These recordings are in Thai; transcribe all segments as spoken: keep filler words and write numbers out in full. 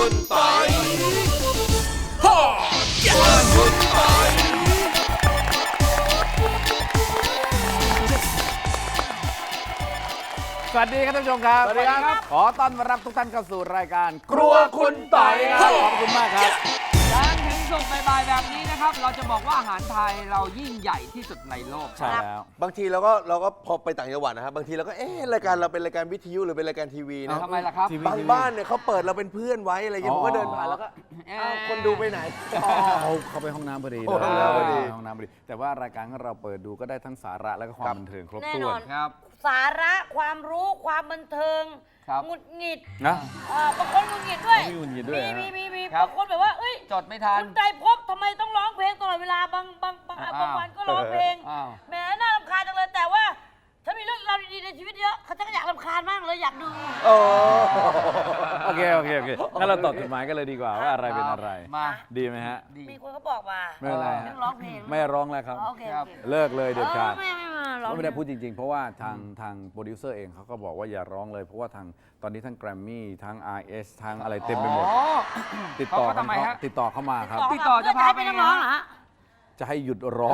คุณปอยฮ่าครัวคุณปอยสวัสดีครับท่านผู้ชมครับสวัสดีครับขอต้อนรับทุกท่านเข้าสู่รายการครัวคุณต่อยครับขอบคุณมากครับจันทร์ถึงศุกร์บ่ายๆแบบนี้นะครับ เราจะบอกว่าอาหารไทยเรายิ่งใหญ่ที่สุดในโลกใช่แล้วบางทีเราก็เราก็พอไปต่างจังหวัดนะครับบางทีเราก็เอ๊ะรายการเราเป็นรายการวิทยุหรือเป็นรายการทีวีนะทำไมล่ะครับทีวีบางบ้านเนี่ยเขาเปิดเราเป็นเพื่อนไว้อะไรอย่างเงี้ยผมก็เดินผ่านแล้วก็เอ่ออ้าวคนดูไปไหนเขาเขาไปห้องน้ำพอดีโอ้ห้องน้ำพอดีห้องน้ำพอดี แต่ว่ารายการของเราเปิดดูก็ได้ทั้งสาระและก็ความบันเทิงครบแน่ถ้นวอน นครับสาระความรู้ความบันเทิงครับหงุดหงิดนะเอ่อบางคนหงุดหงิดด้วยมีหงุดหงิดด้วยมีฮะมีมีมีครับบางคนแบบว่าเอ้ยจดไม่ทันคุณใจพบทำไมต้องร้องเพลงตลอดเวลาบางบางบางอ้าวบางวันก็ร้องเพลงอ้าวแหมน่ารำคาญจังเลยแต่ว่าถ้ามีเรื่องราวดีๆในชีวิตเยอะเขาจะก็อยากรำคาญมากเลยอยากดูโอ้โอเคโอเคโอเคงั้นเราตอบจดหมายกันเลยดีกว่าว่าอะไรเป็นอะไรมาดีไหมฮะดีมีคนเขาบอกมาไม่เป็นไรฮะเรื่องร้องเพลงไม่ร้องแล้วครับอ๋อโอเคครับโอเคเลิกเลยเด็ดขาดเออไม่ไม่มาร้องไม่ได้พูดจริงๆ เพราะว่าทางทางโปรดิวเซอร์เองเขาก็บอกว่าอย่าร้องเลย เพราะว่าทางตอนนี้ทั้งแกรมมี่ทั้ง อาร์ เอส ทั้งอะไรเต็มไปหมดอ๋อติดต่อเขาก็ทำไมฮะติดต่อเข้ามาครับติดต่อจะพาให้ไปเป็นนักร้องเหรอฮะจะให้หยุดร้อง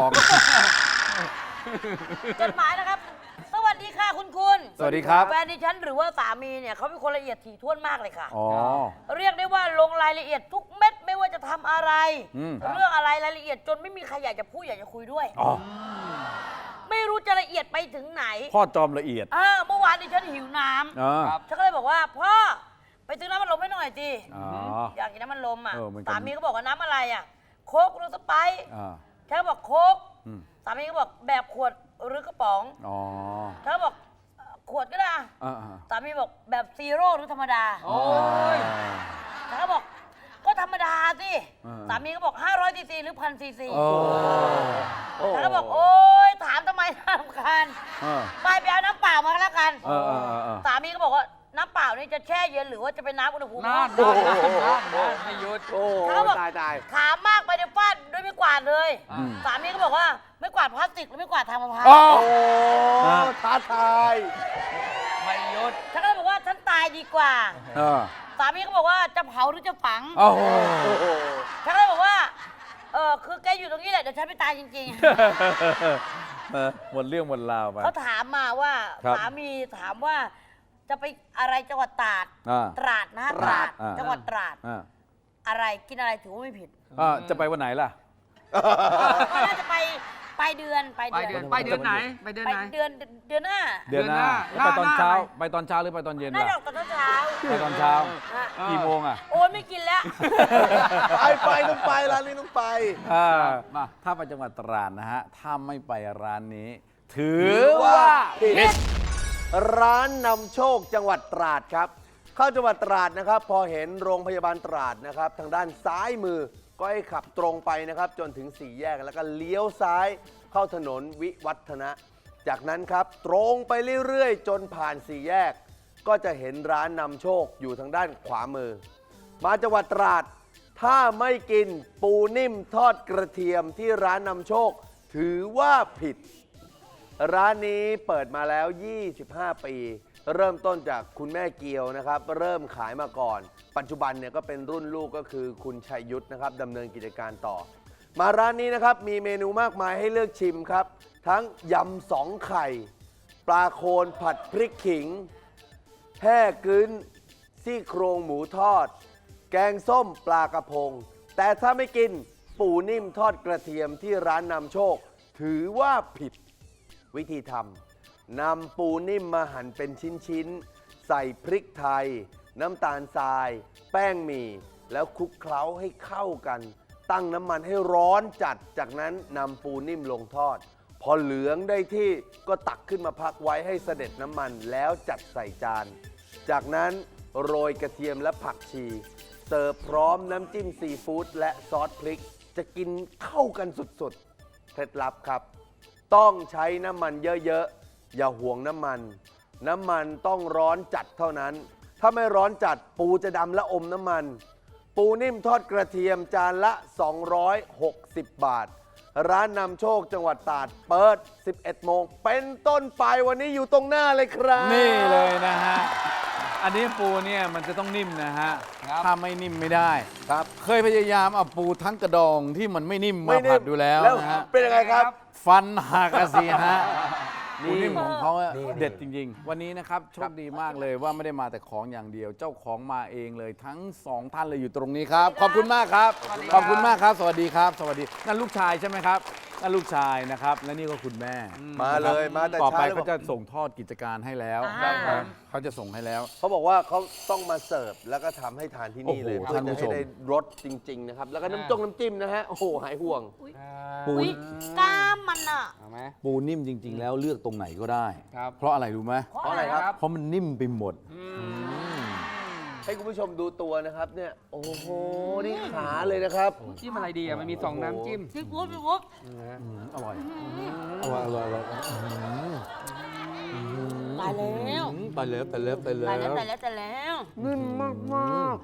จดหมายนะครับ สวัสดีค่ะคุณคุณสวัสดีครับแฟนดิฉันหรือว่าสามีเนี่ยเขาเป็นคนละเอียดถี่ถ้วนมากเลยค่ะอ๋อเรียกได้ว่าลงรายละเอียดทุกเม็ดไม่ว่าจะทำอะไรอืมเรื่องอะไรรายละเอียดจนไม่มีใครอยากจะพูดอยากจะคุยด้วยอ๋อไม่รู้จะละเอียดไปถึงไหนพ่อจอมละเอียดอ่าเมื่อวานดิฉันหิวน้ำอ๋อครับฉันก็เลยบอกว่าพ่อไปซื้อน้ำมันลมให้หน่อยสิอ๋ออยากกินน้ำมันลมอ่ะเออเหมือนกันสามีก็บอกว่าน้ำอะไรอ่ะโค้กหรือสไปร์อ่าฉันก็บอกโค้กอืมสามีก็บอกแบบขวดหรือกระป๋องอ๋อฉันก็บอกเอ่อขวดก็ได้อะอ่าอ่าสามีบอกแบบซีโร่หรือธรรมดาโอ้ยฉันก็บอกก็ธรรมดาสิอ่าสามีก็บอกห้าร้อยซีซีหรือพันซีซีโอ้ฉันก็บอกโอ๊ยถามทำไมน่ารำคาญเออไปไปเอาน้ำเปล่ามาก็แล้วกันเออเออเออเออสามีก็บอกว่าน้ำเปล่านี่จะแช่เย็นหรือว่าจะเป็นน้ำอุณหภูมิน่านห้องน่านน่านน่านไม่หยุดโอ้เขาบอกตายตายถามมากไปเดี๋ยวฟาดด้วยไม่กวาดเลยอืมสามีก็บอกว่าไม่กวาดพลาสติกหรือไม่กวาดทางมะพร้าวอ๋อโอ้ท้าทายไม่หยุดฉันก็เลยบอกว่าฉันตายดีกว่าเออสามีก็บอกว่าจะเผาหรือจะฝังโอ้โหโอ้โหฉันก็เลยบอกว่าเออคือแกอยู่ตรงนี้แหละเดี๋ยวฉันไปตายจริงเออหมดเรื่องหมดราวไปๆ เขาถามมาว่าครับสามีถามว่าจะไปอะไรจังหวัดตราดอ่าตราดนะตราดอ่าจังหวัดตราดอ่าอะไรกินอะไรถือว่าไม่ผิดอ่าจะไปวันไหนล่ะก็น่าจะไปไปเดือนไปไปเดืเดืออน นไปเดือนไหน ไปเดือนไปไหนเดือนเดือนหน้าเดือนหน้าเดือนหน้าแล้วไปตอนหน้าเช้าอะไรไปตอนเช้าหรือไปตอนเย็นน่าล่ะจะออกตอนเช้าไปตอนเช้าอ่ะกี่โมงอ่ะโอ้ยไม่กินแล้วไปไปต้องไปร้านนี้ต้องไปอ่ามาถ้าไปจังหวัดตราดนะฮะ ถ้าไม่ไปร้านนี้ ถือถือว่าว่าผิด ร้านนำโชคจังหวัดตราดครับ เข้าจังหวัดตราดนะครับ พอเห็นโรงพยาบาลตราดนะครับ ทางด้านซ้ายมือก็ให้ขับตรงไปนะครับ จนถึงสี่แยกแล้วก็เลี้ยวซ้ายเข้าถนนวิวัฒนะ จากนั้นครับตรงไปเรื่อยๆ จนผ่านสี่แยก ก็จะเห็นร้านนำโชคอยู่ทางด้านขวามือ มาจังหวัดตราด ถ้าไม่กินปูนิ่มทอดกระเทียมที่ร้านนำโชค ถือว่าผิด ร้านนี้เปิดมาแล้ว ยี่สิบห้า ปี เริ่มต้นจากคุณแม่เกียวนะครับ เริ่มขายมาก่อน ปัจจุบันเนี่ยก็เป็นรุ่นลูกก็คือคุณชัยยุทธนะครับดำเนินกิจการต่อ มาร้านนี้นะครับมีเมนูมากมายให้เลือกชิมครับ ทั้งยำสองไข่ ปลาโคนผัดพริกขิง แห่กึ้นซี่โครงหมูทอด แกงส้มปลากระพง แต่ถ้าไม่กินปูนิ่มทอดกระเทียมที่ร้านนำโชค ถือว่าผิด วิธีทำนำปูนิ่มมาหั่นเป็นชิ้นๆ ใส่พริกไทย น้ำตาลทราย แป้งหมี่แล้วคลุกเคล้าให้เข้ากัน ตั้งน้ำมันให้ร้อนจัดจากนั้นนำปูนิ่มลงทอด พอเหลืองได้ที่ก็ตักขึ้นมาพักไว้ให้เสด็จน้ำมันแล้วจัดใส่จาน จากนั้นโรยกระเทียมและผักชี เสิร์ฟพร้อมน้ำจิ้มซีฟู้ดและซอสพริก จะกินเข้ากันสุดๆเคล็ดลับครับ ต้องใช้น้ำมันเยอะๆ อย่าห่วงน้ำมัน น้ำมันต้องร้อนจัดเท่านั้น ถ้าไม่ร้อนจัดปูจะดำและอมน้ำมัน ปูนิ่มทอดกระเทียมจานละ สองร้อยหกสิบ บาท ร้านนำโชคจังหวัดตราดเปิด สิบเอ็ด โมง เป็นต้นไปวันนี้อยู่ตรงหน้าเลยครับนี่เลยนะฮะอันนี้ปูเนี่ยมันจะต้องนิ่มนะฮะครับถ้าไม่นิ่มไม่ได้ครับเคยพยายามเอาปูทั้งกระดองที่มันไม่นิ่มไม่มานิ่มผัดดูแล้วแล้วนะฮะเป็นยังไงครับฟันหักอะสิฮะปูนี่นิ่มของเขาอะนี่เด็ดจริง ๆ วันนี้นะครับโชคดีมากเลยว่าไม่ได้มาแต่ของอย่างเดียว เจ้าของมาเองเลยทั้งสองท่านเลยอยู่ตรงนี้ครับ ขอบคุณมากครับ ขอบคุณมากครับ สวัสดีครับ สวัสดีนั่นลูกชายใช่ไหมครับนั่นลูกชายนะครับและนี่ก็คุณแม่มาเลยมาแต่ต่อไปเช้าเลยเขาจะส่งทอดกิจการให้แล้วอ่านะเขาจะส่งให้แล้วเขาบอกว่าเขาต้องมาเสิร์ฟแล้วก็ทำให้ทานที่นี่เลยโอ้โหเพื่อท่านผู้จะชให้มได้รสจริง ๆ นะครับ แล้วก็น้ำจงน้ำจิ้มนะฮะ โอ้โห หายห่วงปูอุ้ยกล้ามมันอ่ะเอาไหมปูนิ่มจริง ๆ แล้วเลือกตรงไหนก็ได้ครับเพราะอะไรรู้ไหมเพราะอะไรครับเพราะมันนิ่มไปหมดให้คุณผู้ชมดูตัวนะครับเนี่ย โอ้โห นี่ขาเลยนะครับจิ้มอะไรดีอ่ะ มันมีสองน้ำจิ้มพี่กุ๊บพี่กุ๊บอร่อย อร่อย อร่อย อร่อยตายแล้วไปเลิฟไปเลิฟไปเลิตายแล้วฟตายแล้วตายแล้วนิ่มมากมาก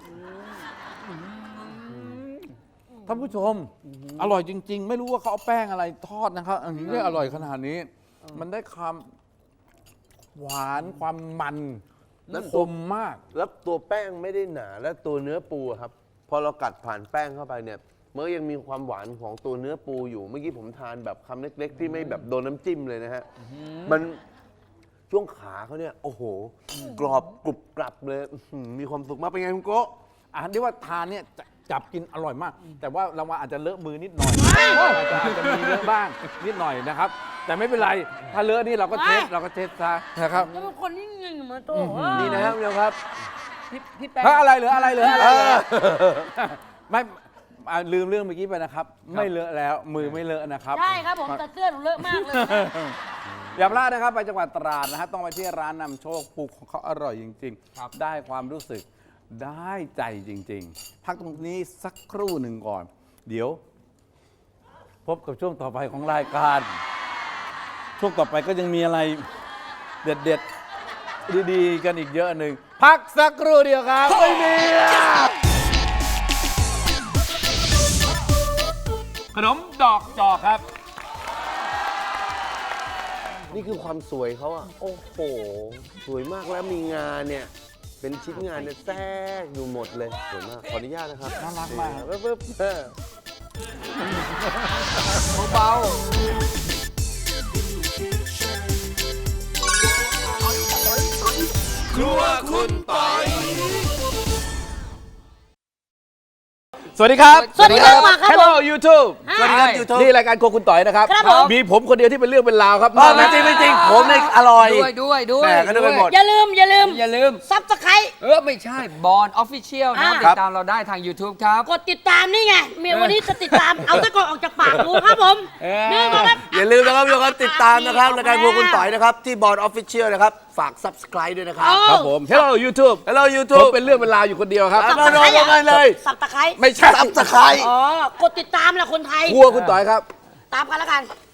ท่านผู้ชม อร่อยจริง ๆ ไม่รู้ว่าเขาเอาแป้งอะไรทอดนะครับ อันนี้ได้อร่อยขนาดนี้ มันได้ความหวานความมันแล้และวคมมากแล้วตัวแป้งไม่ได้หนา และตัวเนื้อปูอะครับ พอเรากัดผ่านแป้งเข้าไปเนี่ยมันก็ยังมีความหวานของตัวเนื้อปูอยู่ เมื่อกี้ผมทานแบบคำเล็ก ๆ ที่ไม่แบบโดนน้ำจิ้มเลยนะฮะ มันช่วงขาเขาเนี่ย โอ้โห กรอบกรุบกรับเลยอื้อหือมีความสุขมากเป็นไงคุณโกะอาหารที่ว่าทานเนี่ยจะจับกินอร่อยมาก แต่ว่าเราอาจจะเลอะมือนิดหน่อยอาจจะอาจจะมีเลอะบ้างนิดหน่อยนะครับ แต่ไม่เป็นไร ถ้าเลอะนี่เราก็เช็ดเราก็เช็ดซะนะครับแล้วเป็นคนที่เงินมาโตนี่นะฮะคุณผู้ชมครับพี่พี่แป้งเฮ้ยอะไรเหลืออะไรเหลืออะไรเอเหลืออไม่อ่าลืมเรื่องเมื่อกี้ไปนะครับ ไม่เลอะแล้วมือไม่เลอะนะครับใช่ครับผมแต่เสื้อหนูเลอะมากเลยนะอย่าพลาดนะครับไปจังหวัดตราดนะฮะต้องไปที่ร้านนำโชคปูของเขาอร่อยจริงครับๆ ได้ความรู้สึกได้ใจจริง ๆ พักตรงนี้สักครู่หนึ่งก่อน เดี๋ยว พบกับช่วงต่อไปของรายการ ช่วงต่อไปก็ยังมีอะไรเด็ดๆดีๆกันอีกเยอะหนึ่งพักสักครู่เดียวครับไม่มี ขนมดอกจอกครับนี่คือความสวยเขาอะโอ้โห สวยมากแล้วมีงานเนี่ย เป็นชิ้นงานเนี่ยแทรกอยู่หมดเลย สวยมาก ขออนุญาตนะครับน่ารักมากเปิ๊บปิ๊บเออเบาครัวคุณปอยสวัสดีครับสวัสดีครับมาครับ Hello YouTube สวัสดีครับยูทูบนี่รายการโครัวคุณต่อยนะครับครับผมมีผมคนเดียวที่เป็นเรื่องเป็นราวครับไม่จริงไม่จริง ผมเนี่ยอร่อยๆด้วยด้วยด้วยแหม่ก็นึกไปหมดอย่าลืมอย่าลืมอย่าลืมซับสไครเออ ไม่ใช่บอลออฟฟิเชียลนะครับอ่าติดตามเราได้ทาง YouTube ครับกดติดตามนี่ไงเมียวันนี้จะติดตาม เอาตะกอนออกจากปากกูครับผมเออนี่มาครับอย่าลืมนะครับทุกคนติดตามนะครับรายการครัวคุณต่อยนะครับ ที่บอร์ดออฟฟิเชียลนะครับ ฝาก subscribe ด้วยนะครับเอาครับผม Hello YouTube Hello ผม YouTube เป็นเรื่องเป็นราวอยู่คนเดียวครับครับ มาลงกันเลยสับตะไคร้ไม่ใช่ subscribe อ๋อกดติดตามแหละคนไทยครัวคุณต่อยครับตามกันแล้วกัน